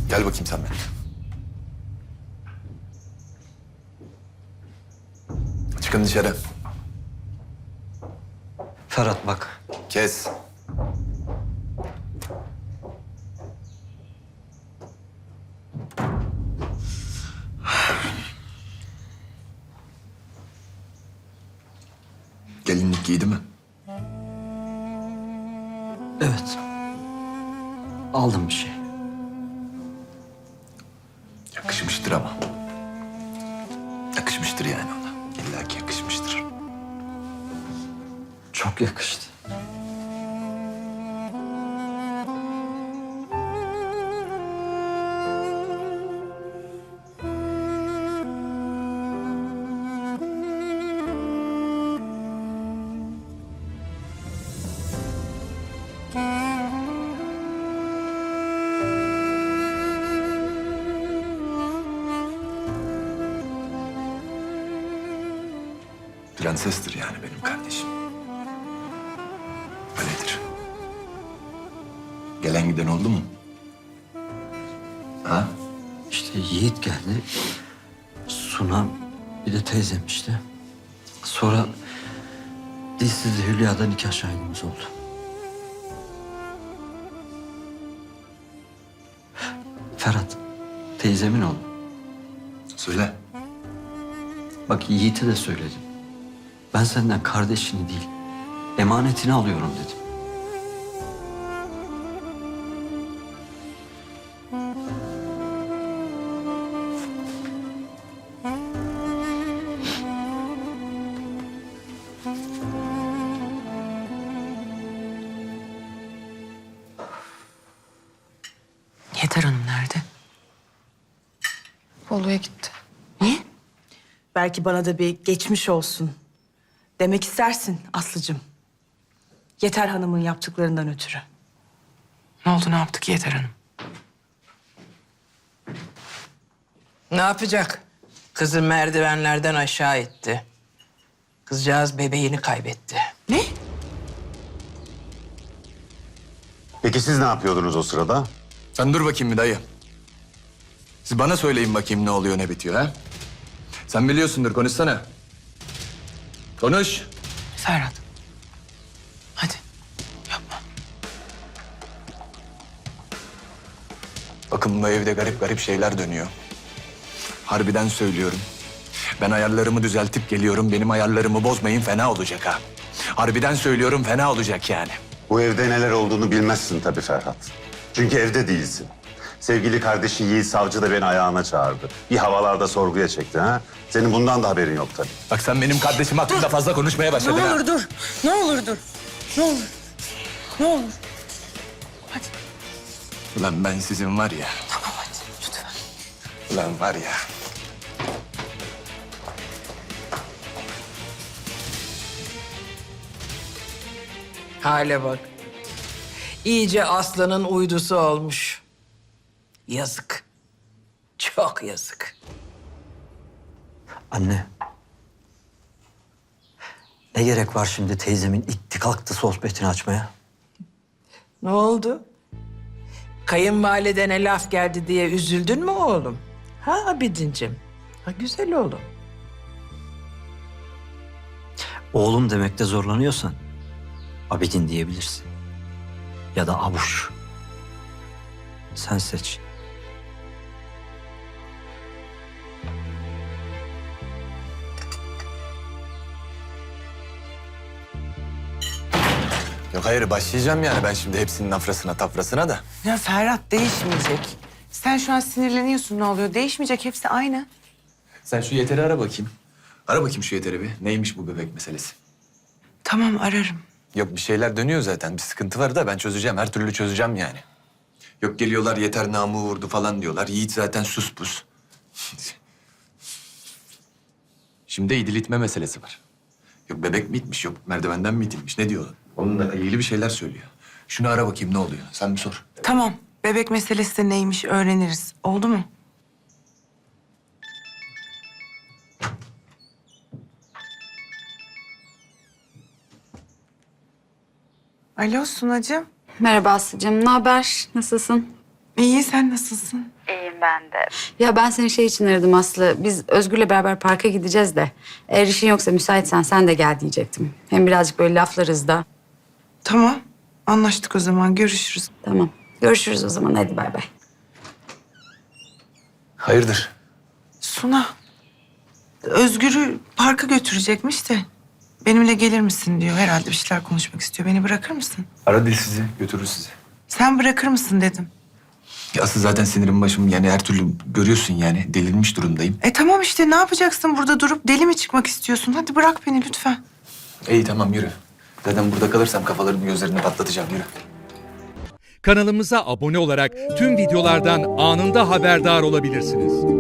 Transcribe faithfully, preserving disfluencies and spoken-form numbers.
Gel bakayım sen benimle. Çıkın dışarı. Ferhat bak. Kes. Gelinlik giydi mi? Evet. Aldım bir şey. Yakışmıştır ama. Yakışmıştır yani ona. İlla ki yakışmıştır. Çok yakıştı. Prensestir yani benim kardeşim. Öyledir. Gelen giden oldu mu? Ha? İşte Yiğit geldi. Suna bir de teyzem işte. Sonra Dilsiz'le Hülya'da nikah şahidimiz oldu. Ferhat, teyzemin oğlu. Söyle. Bak Yiğit'e de söyledim. Ben senden kardeşini değil, emanetini alıyorum dedim. Yeter Hanım nerede? Bolu'ya gitti. Niye? Belki bana da bir geçmiş olsun demek istersin Aslı'cığım. Yeter Hanım'ın yaptıklarından ötürü. Ne oldu ne yaptık Yeter Hanım? Ne yapacak? Kızı merdivenlerden aşağı itti. Kızcağız bebeğini kaybetti. Ne? Peki siz ne yapıyordunuz o sırada? Sen dur bakayım bir dayı. Siz bana söyleyin bakayım ne oluyor ne bitiyor ha? Sen biliyorsundur, konuşsana. Konuş. Ferhat. Hadi yapma. Bakın bu evde garip garip şeyler dönüyor. Harbiden söylüyorum. Ben ayarlarımı düzeltip geliyorum. Benim ayarlarımı bozmayın, fena olacak ha. Harbiden söylüyorum, fena olacak yani. Bu evde neler olduğunu bilmezsin tabii Ferhat. Çünkü evde değilsin. Sevgili kardeşi Yiğit Savcı da beni ayağına çağırdı. Bir havalarda sorguya çekti ha. Senin bundan da haberin yok tabii. Bak sen benim kardeşim hakkında fazla konuşmaya başladın Ne ha. olur dur. Ne olur dur. Ne olur. Ne olur. Hadi. Ulan ben sizin var ya. Tamam hadi lütfen. Ulan var ya. Hale bak. İyice aslanın uydusu olmuş. Yazık. Çok yazık. Anne. Ne gerek var şimdi teyzemin itti kalktı sohbetini açmaya? Ne oldu? Kayınvalidene laf geldi diye üzüldün mü oğlum? Ha Abidincim? Ha güzel oğlum. Oğlum demekte zorlanıyorsan Abidin diyebilirsin. Ya da Abuş. Sen seç. Yok hayır, başlayacağım yani ben şimdi hepsinin afrasına tafrasına da. Ya Ferhat değişmeyecek. Sen şu an sinirleniyorsun, ne oluyor? Değişmeyecek, hepsi aynı. Sen şu Yeter'i ara bakayım. Ara bakayım şu Yeter'i bir. Neymiş bu bebek meselesi? Tamam, ararım. Yok bir şeyler dönüyor zaten. Bir sıkıntı var da ben çözeceğim. Her türlü çözeceğim yani. Yok geliyorlar Yeter namı vurdu falan diyorlar. Yiğit zaten sus pus. Şimdi idilitme meselesi var. Yok bebek mi itmiş, yok merdivenden mi itilmiş, ne diyor? Onunla ilgili bir şeyler söylüyor. Şunu ara bakayım ne oluyor. Sen bir sor. Tamam, bebek meselesi de neymiş öğreniriz. Oldu mu? Alo Sunacığım. Merhaba Aslı'cığım. Ne haber? Nasılsın? İyi, sen nasılsın? İyiyim ben de. Ya ben seni şey için aradım Aslı. Biz Özgür'le beraber parka gideceğiz de. Eğer işin yoksa müsaitsen sen de gel diyecektim. Hem birazcık böyle laflarız da. Tamam, anlaştık o zaman. Görüşürüz. Tamam. Görüşürüz o zaman. Hadi bay bay. Hayırdır? Suna, Özgür'ü parka götürecekmiş de benimle gelir misin diyor. Herhalde bir şeyler konuşmak istiyor. Beni bırakır mısın? Ara dil sizi, götürür sizi. Sen bırakır mısın dedim. Ya asıl zaten sinirim başım yani her türlü görüyorsun yani delirmiş durumdayım. E tamam işte, ne yapacaksın burada durup? Deli mi çıkmak istiyorsun? Hadi bırak beni lütfen. İyi tamam yürü. Zaten burada kalırsam kafalarını gözlerini patlatacağım yürü. Kanalımıza abone olarak tüm videolardan anında haberdar olabilirsiniz.